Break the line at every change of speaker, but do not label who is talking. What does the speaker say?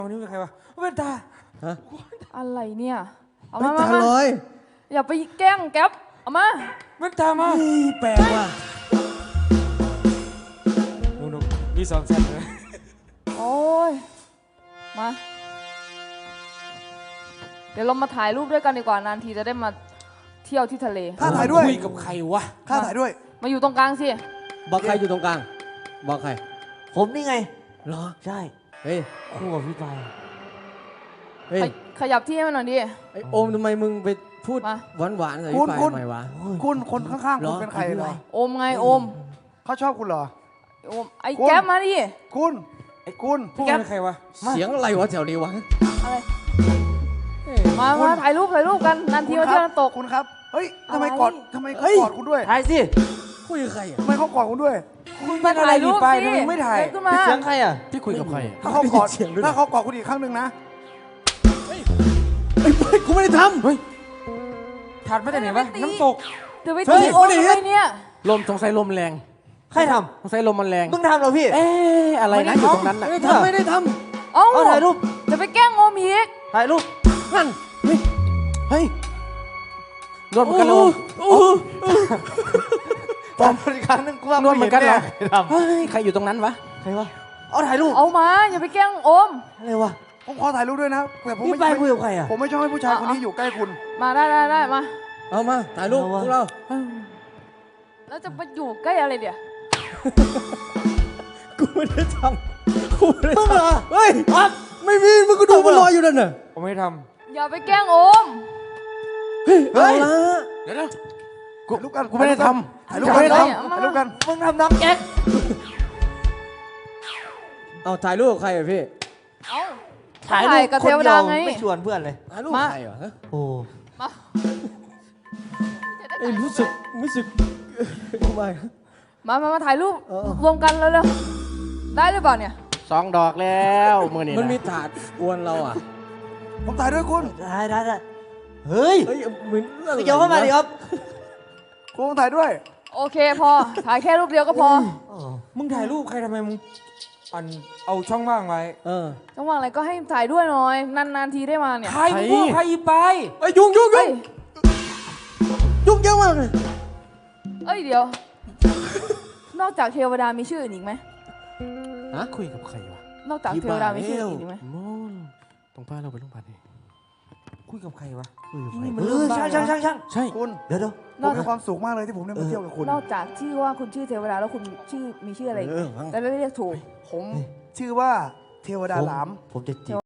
วันนี้เป็นใครวะเวนตา
ฮะ
อะไรเนี่ยเอา
ไม่
มา
ตาลอย
อย่าไปแกล้งแก๊ปเอามา
เวนตามา
แปลกว่ะ
นุ๊กมี2 แสนเลย
โอ้ยมาเดี๋ยวเรามาถ่ายรูปด้วยกันดีกว่านานทีจะได้มาเที่ยวที่ทะเล
ข้าถ่ายด้วย
คุยกับใครวะ
ข้าถ่ายด้วย
มาอยู่ตรงกลางสิ
บอกใครอยู่ตรงกลางบอกใคร
ผมนี่ไง
เหรอ
ใช่
เฮ้ย
คู่กับพี่ปาย
เฮ้ย
ขยับที่ให้มันหน่อยดิ
ไอโอมทำไมมึงไปพูดหวานๆใส่พี่ปายทำไมวะ
คุณคนข้างๆคุณเป็นใครเหรอ
โอมไงโอม
เขาชอบคุณเหรอ
โอมไอ้แก๊ปมาดิ
คุณคุณ
พี่แก๊ปเป็นใครวะ
เสียงอะไรวะแถวนี้วะ
อะไรมาถ่ายรูปกันนานทีมาเที่ยวน้ำตก
คุณครับเฮ้ยทำไมกอดคุณด้วย
ถ่ายสิ
คุยกับใครอ่ะ
ทำไมเขากอดคุณด้วย
คุณเป็นอะไรพี่ปายทำไมไม่ถ่าย
ขึ้นมา
เสียงใครอ่ะ
พี่คุยกับใคร
ถ้าเขากอดคุณอีกครั้งหนึ่งนะ
เฮ้ยกูไม่ได้ทำเฮ้ย
ถ่ายไม่ได้ไหนวะน้ำตก
เดี๋ยวไปตีโอมทำไมเนี่ย
ลมสงสัยลมแรง
ใครท
ำสงสัยลมมันแรง
ำมึงทำเหรอพี่
อะไรนะอยู่ตรงนั้นน่ะไม่ได้ท
เอ้า
ถ่ายรูป
จะไปแกล้งโอมอีก
ถ่ายรูป
นั่นเฮ้ยนวดเหมือนกันเลย
ตอนอีกครั้งนึงกูว่าน
วดเหมือนกันเหรอเฮ้ยใครอยู่ตรงนั้นวะ
ใครวะเอาถ่ายรูป
เอามาอย่าไปแกล้งโอม
อะไรวะ
ผมขอถ่ายรูปด้วยนะแต่ผม
ไม่ไปคุยกับใครอ่ะ
ผมไม่ชอบให้ผู้ชายคนนี้อยู่ใกล้คุณ
มาได้มา
เอามาถ่ายรูปพวกเรา
แล้วจะไปอยู่ใกล้อะไรเดี๋ยว
กูไม่ได้ทำกูไม่ได้ทำเฮ้ยไม่มีมึงก็ดูมันลอยอยู่นั่นน่ะ
ผมไม่ท
อย่าไปแกล้งโอม
เฮ้ยเอาละ
เดี๋ยว
ถ่ายรูปกัน
กูไม่ได้ทำ
ถ่ายรูปกันถ่ายรูปกัน
มึงทำน้ำแก๊ก
เอาถ่ายรูปกับใครอ่ะพี่
เอา
ถ่ายรูป
กับเทวดาไง
ไม่ชวนเพื่อนเลย
ถ่ายรูปใครเหรอ
โอ้
รู้สึก
มาถ่ายรูปรวมกันเร็วๆได้หรือเปล่าเนี่ย
2 ดอกแล้วมือนี่มันมีถาดอวนเราอ่ะ
ผมถ่ายด้วยคุณ
ได้เฮ้ย
เหมือน
เกี่ยวเข้ามาดิครับ
คุณถ่ายด้วย
โอเคพอถ่ายแค่รูปเดียวก็พอ
มึงถ่ายรูปใครทำไมมึงเอาช่องว่างไว้
ช่องว่างอะไรก็ให้ถ่ายด้วยหน่อยนานทีได้มาเนี่ย
ใครมึงพูดใครไป
ยุ่งเยอะมากเลย
เดี๋ยวนอกจากเทวดามีชื่ออื่นอีกไหม
คุยกับใครวะ
นอกจากเทวดามีชื่ออื่นอีกไหม
ตรงป้าเราไปโรงพยาบาลดิ
คุยกับใครวะ
ช่าง
คุณ
เดี๋ยว
ผมมีความสุขมากเลยที่ผมได้มาเที่ยวกับคุณ
นอกจากชื่อว่าคุณชื่อเทวดาแล้วคุณมีชื่ออะไรแต่ไม่เรียกถูก
ผมชื่อว่าเทวดาหลาม
ผมจะจีบ